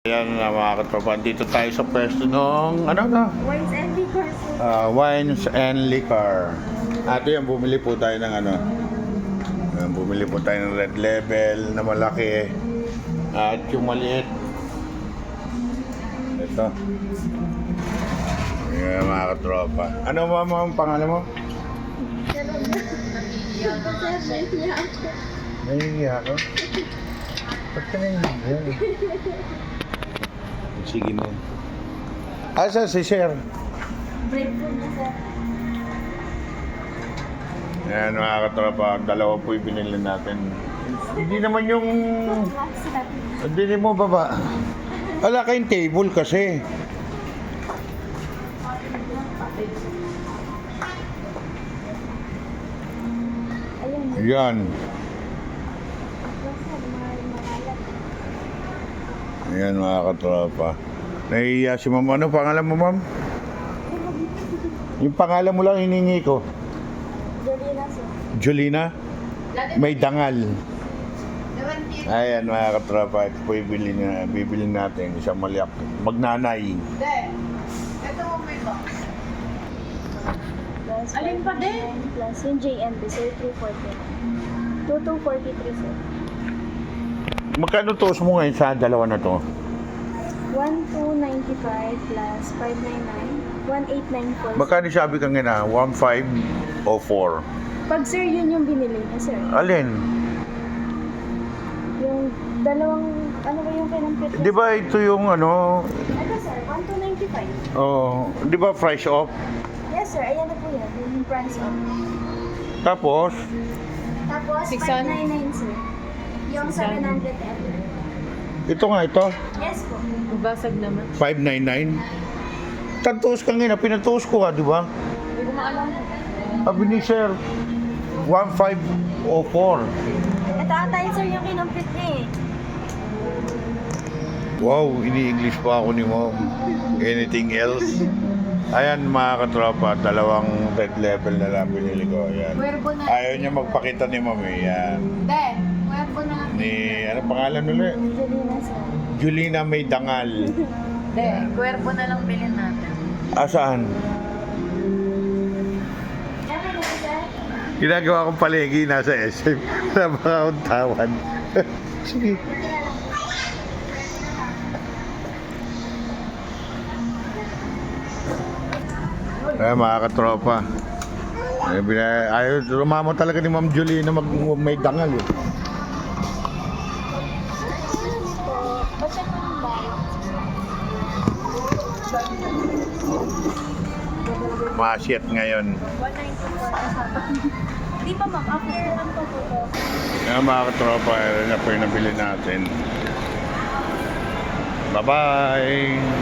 Ayan na mga katropa, dito tayo sa pwesto ng ano na? Wines and liquor. Wines and liquor. Ato yan, bumili po tayo ng ano. Bumili po tayo ng Red Label na malaki. At yung maliit. Ito. Ayan mga katropa. Ano mama ang pangalan mo? Nahihiya ako. Ba't ka nahihiya? Sige na. Asa si Sir? Break po na sir. Ayan mga katropa, dalawa po yung binili natin. Hindi naman yung... Hindi mo baba. Wala kayong table kasi. Ayan. Ayan mga katropa. Nahihiya si ma'am. Ano pangalan mo ma'am? Yung pangalan mo lang hiningi ko. Jolina sir. Jolina? May dangal. Ayan mga katropa. Ito po bibili natin. Isang maliak. Magnanay. Ito mo may box. Alin pa din? Plus yung JMB sir, 340. 2243 sir. Magkano tos mo ngayon sa dalawa na to? 1295 plus 599. 1894. Magkano sabi ka nga na? 1,500 o 4? Pag sir, yun yung binili niya sir. Alin? Yung dalawang, ano ba yung kinampit niya? Di ba ito yung ano? Ito sir, 1295. Oh, di ba fresh off? Yes sir, ayan na po yan. Yung price on. Tapos, Tapos, 599 sir. Yung 700 ml. ito nga ito, Yes po. Basag naman. 599. Tagtuos ka nga na, pinatuos ko di ba? Hindi ko maalam. Sabi ni Sir, 1,504. Ito ata yun sir yung kinampit niya eh. Wow, ini-English pa ako ni Mom. Anything else? Ayan mga katropa, dalawang Red Label na lang binili ko. Ayan. Cuervo na. Ayaw niya magpakita ni Mom eh. Ayan. Hindi. Cuervo na lang. Ni, ano pangalan ulit? Jolina sir. Julina May Dangal. Hindi. Cuervo na lang bilhin natin. Asaan? Ano na sir? Ginagawa kong palegi nasa SM. Sa mga untawan. Sige. Ay, mga katropa. Ayaw, rumamo talaga ni Ma'am Julie na may dangal eh. Ba't siya kung bayad? Masyet ngayon. 194. Di ba ma'am, after ang pagpupo? Ay, mga katropa, na po yung nabili natin. Bye-bye!